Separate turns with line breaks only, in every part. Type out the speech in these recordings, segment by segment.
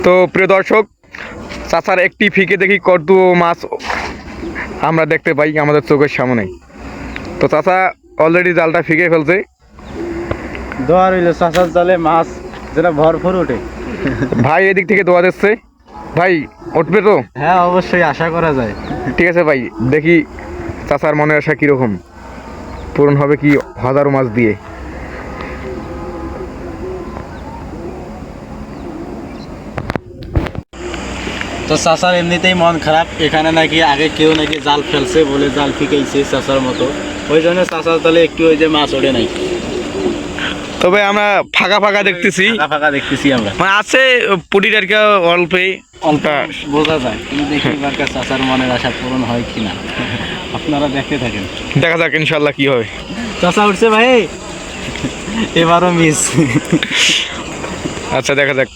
তো প্রিয় দর্শক, চাচার একটি ফিকে দেখি কত মাছ আমরা দেখতে পাই আমাদের চোখের সামনে। তো চাচা অলরেডি জালটা ফিকে ফেলছে।
দোয়া রইল চাচার জালে মাছ যেটা ভরপুর ওঠে।
ভাই এদিক থেকে দোয়া দিচ্ছে। ভাই উঠবে তো?
হ্যাঁ অবশ্যই আশা করা যায়।
ঠিক আছে ভাই, দেখি চাচার মনের আশা কীরকম পূরণ হবে কি হাজারো মাছ দিয়ে।
তো চাচার এমনিতেই মন খারাপ, এখানে নাকি আগে কেউ নাকি জাল ফেলছে বলে জাল ফিকেইছে চাচার মতো, ওই জন্য চাচার জালে একটু ওই যে মাছ ওঠে নাই।
তবে আমরা ফাঁকা ফাঁকা দেখতেছি,
ফাঁকা ফাঁকা দেখতেছি আমরা,
মানে আছে পুটির আর কি অল্পে
অল্পটা বোঝা যায়, কিন্তু দেখি এবার চাচার মনের আশা পূরণ হয় কিনা আপনারা দেখতে থাকেন।
দেখা যাক ইনশাল্লাহ কি হয়।
চাচা উঠছে ভাই, এবারও মিস।
আচ্ছা দেখা যাক।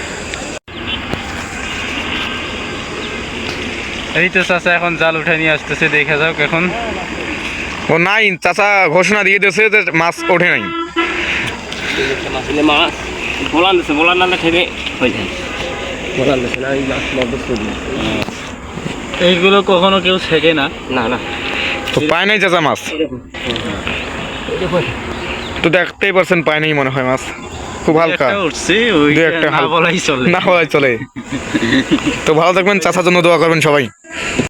এই তো চাচা এখন জাল উঠে নিয়ে আসতেছে, দেখা যাক এখন।
ও নাই, চাচা ঘোষণা দিয়ে দিয়েছে যে মাছ ওঠে নাই।
মাছ বলান দিচ্ছে, বলার নামে থেকে হয়ে যায়। বলান দিচ্ছে না, এই মাছ
এইগুলো কখনো কেউ শেখে না।
না না,
তো পায় নাই চাচা মাছ, তো দেখতেই পারছেন পায় নাই মনে হয় মাছ, খুব হালকা
উঠছে, ওই
দু একটা
না বলাই চলে।
না বলাই চলে। তো ভালো থাকবেন, চাচার জন্য দোয়া করবেন সবাই।